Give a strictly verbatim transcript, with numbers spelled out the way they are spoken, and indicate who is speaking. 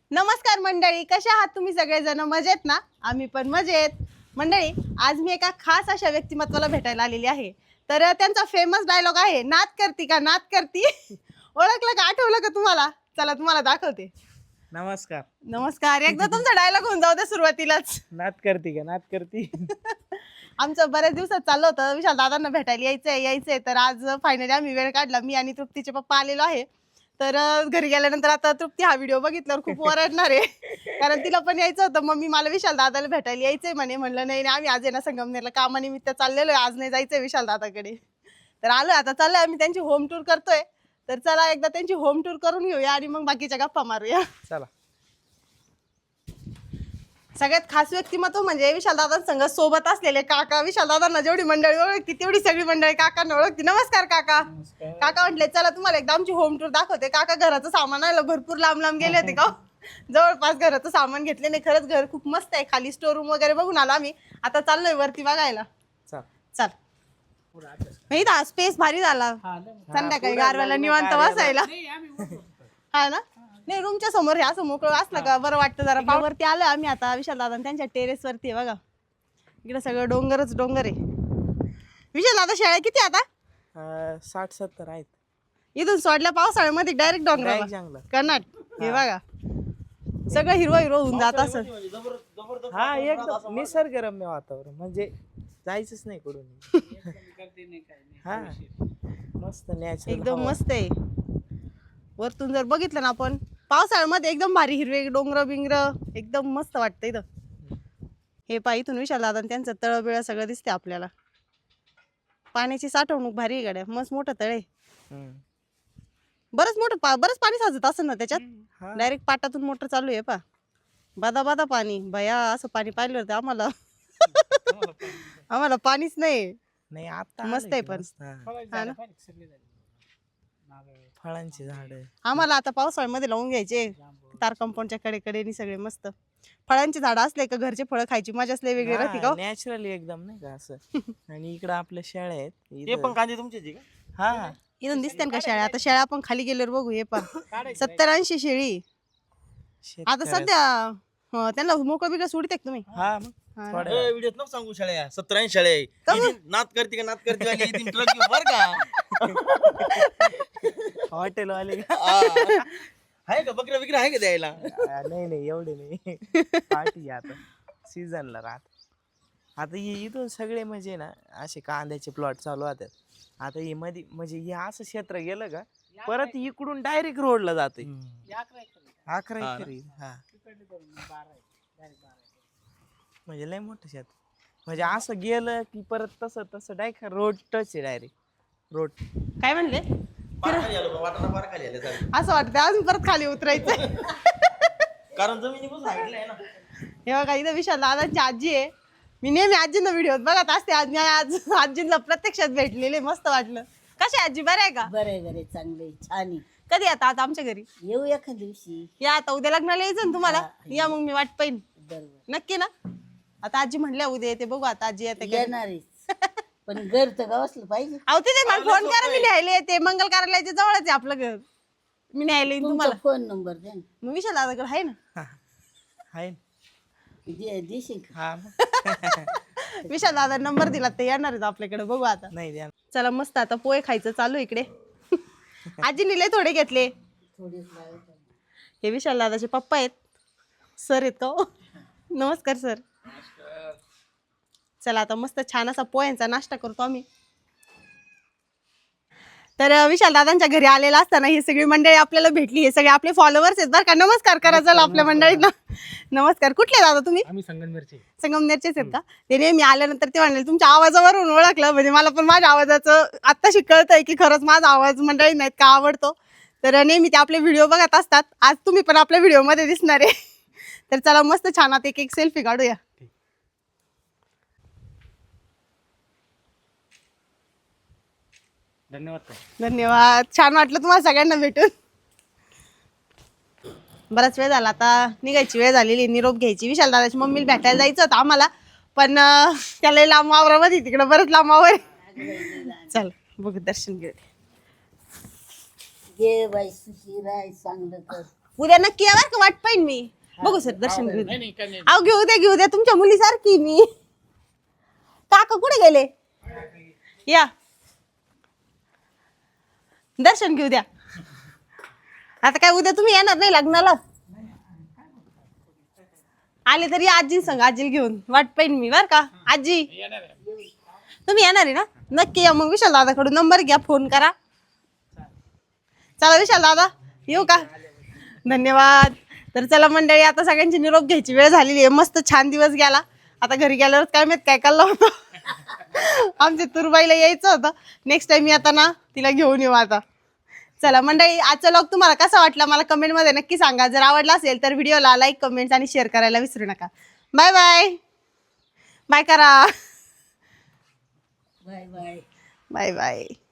Speaker 1: नमस्कार मंडळी, कशा आहात तुम्ही सगळेजण? मजेत ना? आम्ही पण मजेत. मंडळी, आज मी एका खास अशा व्यक्तिमत्वाला भेटायला आलेली आहे. तर त्यांचा फेमस डायलॉग आहे, नात करती का नात करती. ओळखलं का, आठवलं का तुम्हाला? चला तुम्हाला दाखवते.
Speaker 2: नमस्कार.
Speaker 1: नमस्कार. एकदा तुमचा डायलॉग होऊन जाऊ दे सुरुवातीलाच.
Speaker 2: नात करती का नात करती.
Speaker 1: आमचं बऱ्याच दिवसात चाललं होतं विशाल दादांना भेटायला यायचंय यायचंय तर आज फायनली आम्ही वेळ काढला. मी आणि तृप्तीचे पप्पा आलेलो आहे. तर घरी गेल्यानंतर आता तृप्ती हा व्हिडिओ बघितल्यावर खूप ओरडणार आहे, कारण तिला पण यायचं होतं. मम्मी मला विशाल दादाला भेटायला यायचंय म्हणे. म्हणलं नाही नाही, आम्ही आज आहे ना संगमनेरला कामानिमित्त चाललेलो आहे, आज नाही जायचंय विशाल दादाकडे. तर आलो आता, चाललोय आम्ही त्यांची होम टूर करतोय. तर चला एकदा त्यांची होम टूर करून घेऊया आणि मग बाकीच्या गप्पा मारूया.
Speaker 2: चला.
Speaker 1: सगळ्यात खास व्यक्तिमत्व म्हणजे विशाल दादांसंग सोबत असलेले काका. विशाल दादांना जेवढी मंडळी ओळखती तेवढी सगळी मंडळी काकांना ओळखती. नमस्कार काका. काका म्हटले चला तुम्हाला एकदा आमची होम टूर दाखवते. काका घराचं सामान आलं, भरपूर लांब लांब गेले होते का, जवळपास घराचं सामान घेतले नाही. खरंच घर खूप मस्त आहे. खाली स्टोर रूम वगैरे बघून आलो आम्ही. आता चाललोय वरती बघायला. चल. इथं स्पेस भारी झाला, संध्याकाळी गारव्याला निवांत बसायला. हा ना. नाही, रूमच्या समोर हे असं मोकळं असलं का बरं वाटतं जरा. पावरती आलं आम्ही आता विशाल दादा त्यांच्या टेरेस वरती आहे बघा. इकडे सगळं डोंगरच डोंगर आहे. विशाल दादा शाळा किती आता?
Speaker 2: साठ सत्तर आहेत.
Speaker 1: इथून सोडल्या पावसाळ्यामध्ये डायरेक्ट डोंगर
Speaker 2: जंगल
Speaker 1: कर्नाट. हे बघा सगळं हिरवं हिरवं होऊन जात असं.
Speaker 2: हा, एकदम निसर्गरम्य वातावरण, म्हणजे जायचंच नाही कुठून. हा, मस्त नॅचरल
Speaker 1: एकदम मस्त आहे. वरतून जर बघितलं ना आपण पावसाळ्यामध्ये एकदम भारी हिरवे डोंगर बिंगर एकदम मस्त वाटतं इथं. हे पा इथून विशाल दादा त्यांचं तळ बिळ सगळं दिसते आपल्याला. पाण्याची साठवणूक भारी आहे गाड्या, मस्त मोठं तळे. बरंच मोठं पा बरंच पाणी साचत असेल ना त्याच्यात. डायरेक्ट पाटातून मोटर चालू आहे पा. बादा बादा पाणी भया, असं पाणी पाहिलं होतं आम्हाला. आम्हाला पाणीच नाही.
Speaker 2: नाही आता
Speaker 1: मस्त आहे पण. हा ना.
Speaker 2: फळांची झाड.
Speaker 1: आम्हाला आता पावसाळ्यामध्ये लावून घ्यायचे तार कंपाऊंडच्या कडेकडे सगळे मस्त फळांची झाडं असले का घरचे फळं खायची मजाच लय वेगळी राहते का.
Speaker 2: नॅचरली एकदम नाही का असं. आणि इकडं आपल्या शेळ्या आहेत.
Speaker 3: हे पण कांदे तुमचे का?
Speaker 2: हा,
Speaker 1: इथून दिसते का शेळ्या? आता शेळ्या आपण खाली गेल्यावर बघू. हे पण सत्तर ऐंशी शेळी आता सध्या. हं, त्यांना मोकळं बिकळं सोडते का तुम्ही?
Speaker 2: हा, मग थोड्या
Speaker 3: व्हिडिओत नको सांगू शाळ्या सत्तर ऐंशी शाळा आहे. नात करते का नात करते वाली येतील ट्रक घेऊन बर का.
Speaker 2: हॉटेल वाले का?
Speaker 3: आहे का बकऱ्या बिकऱ्या आहे का द्यायला?
Speaker 2: नाही नाही, एवढे नाही. पार्टी आता सीझनला राहत. आता हे इथून सगळे म्हणजे ना असे कांद्याचे प्लॉट चालू होतात. आता हे मध्ये म्हणजे हे असं क्षेत्र गेलं का परत इकडून डायरेक्ट रोडला जाते. अकरा एकर. हा, म्हणजे लय मोठं शेत. म्हणजे असं गेलं की परत तसं तसं डायरेक्ट रोड टच आहे. Direct road.
Speaker 1: काय म्हणले?
Speaker 3: पार आलो वाटाणा पार खाली आले चालेल.
Speaker 1: असं वाटतं अजून परत खाली उतरायचं.
Speaker 3: कारण जमिनीपासून हाईटला आहे ना.
Speaker 1: हे बघा इथं विशाल दादांची आजी आहे. मी नेहमी आजींना व्हिडिओ बघत असते. आज मी आज आजींना प्रत्यक्षात भेटलेले, मस्त वाटलं. कशी आजी, बरं आहे का?
Speaker 4: बरे बरे चांगले छान आहे.
Speaker 1: कधी आता आता आमच्या घरी
Speaker 4: येऊ एका दिवशी.
Speaker 1: या आता उद्या लग्नाला यायचं ना तुम्हाला. या मग मी वाट पाहिन
Speaker 4: बरोबर
Speaker 1: नक्की ना. आता आजी म्हणल्या उद्या येते, बघू आता आजी येते का.
Speaker 4: येणारच, पण घर तर गावसलं पाहिजे.
Speaker 1: अहो तिथे मला फोन करा, मी न्यायला येते. मंगल कार्यालयाच्या जवळच आहे आपलं घर. मी न्यायला येईन तुम्हाला.
Speaker 4: फोन नंबर द्या ना.
Speaker 1: मग विशाल दादाकडे आहे ना.
Speaker 2: आहे.
Speaker 4: दे- देशील का?
Speaker 2: हा, मग.
Speaker 1: विशाल दादा नंबर दिला ते येणार आहेत आपल्याकडे, बघू आता.
Speaker 2: नाही द्या.
Speaker 1: चला मस्त आता पोहे खायचं चालू इकडे. आजीने लय थोडे घेतले.
Speaker 4: थोडीच लावायचं.
Speaker 1: हे विशाल दादाचे पप्पा आहेत, सर आहेत का हो? नमस्कार सर. चला आता मस्त छान असा पोह्यांचा नाश्ता करतो आम्ही. तर विशाल दादांच्या घरी आलेला असताना ही सगळी मंडळी आपल्याला भेटली. हे सगळे आपले फॉलोअर्स आहेत बरं का. नमस्कार करा चला आपल्या मंडळींना. नमस्कार. कुठले दादा तुम्ही?
Speaker 5: आम्ही संगमनेरचे.
Speaker 1: संगमनेरचेच आहेत का? ते नेहमी आल्यानंतर ते म्हणाले तुमच्या आवाजावरून ओळखलं. म्हणजे मला पण माझ्या आवाजाचं आत्ताशी कळतंय की खरंच माझा आवाज मंडळी नाहीत का आवडतो. तर नेहमी ते आपले व्हिडिओ बघत असतात. आज तुम्ही पण आपल्या व्हिडिओमध्ये दिसणार आहे. तर चला मस्त छान आता एक एक सेल्फी काढूया.
Speaker 5: धन्यवाद.
Speaker 1: धन्यवाद. छान वाटलं तुम्हाला सगळ्यांना भेटून. बराच वेळ झाला, आता निघायची वेळ झालेली, निरोप घ्यायची. विशाल दादाची मम्मीला भेटायला जायचं होतं आम्हाला, पण त्याला लांब वावरामध्ये तिकडं बरंच लांब वावर. चल बघू दर्शन घेऊ.
Speaker 4: घे बाई सुखी राय चांगलं कर.
Speaker 1: उद्या नक्की या बरं का, वाट पाहिन मी. बघू सर दर्शन घेऊ द्या. अहो घेऊ द्या घेऊ द्या, तुमच्या मुलीसारखी मी. काका कुठे गेले? या दर्शन घेऊ द्या. आता काय उद्या तुम्ही येणार नाही लग्नाला? आले तरी आजी संग, आजी घेऊन वाट पाहिन मी बर का. आजी तुम्ही येणार आहे ना? नक्की या मग. विशाल दादाकडून नंबर घ्या, फोन करा. चला विशाल दादा येऊ का? धन्यवाद. तर चला मंडळी, आता सगळ्यांची निरोप घ्यायची वेळ झालेली आहे. मस्त छान दिवस गेला. आता घरी गेल्यावर काय माहित काय कळलं होतं. आमच्या तुरबाईला यायचं होतं. नेक्स्ट टाइम आता ना तिला घेऊन येऊ आता. चला मंडळी, आजचा व्लॉग तुम्हाला कसा वाटला मला कमेंटमध्ये नक्की सांगा. जर आवडला असेल तर व्हिडिओला लाईक, कमेंट्स आणि शेअर करायला विसरू नका. Bye bye. बाय करा.
Speaker 4: Bye bye.
Speaker 1: Bye bye.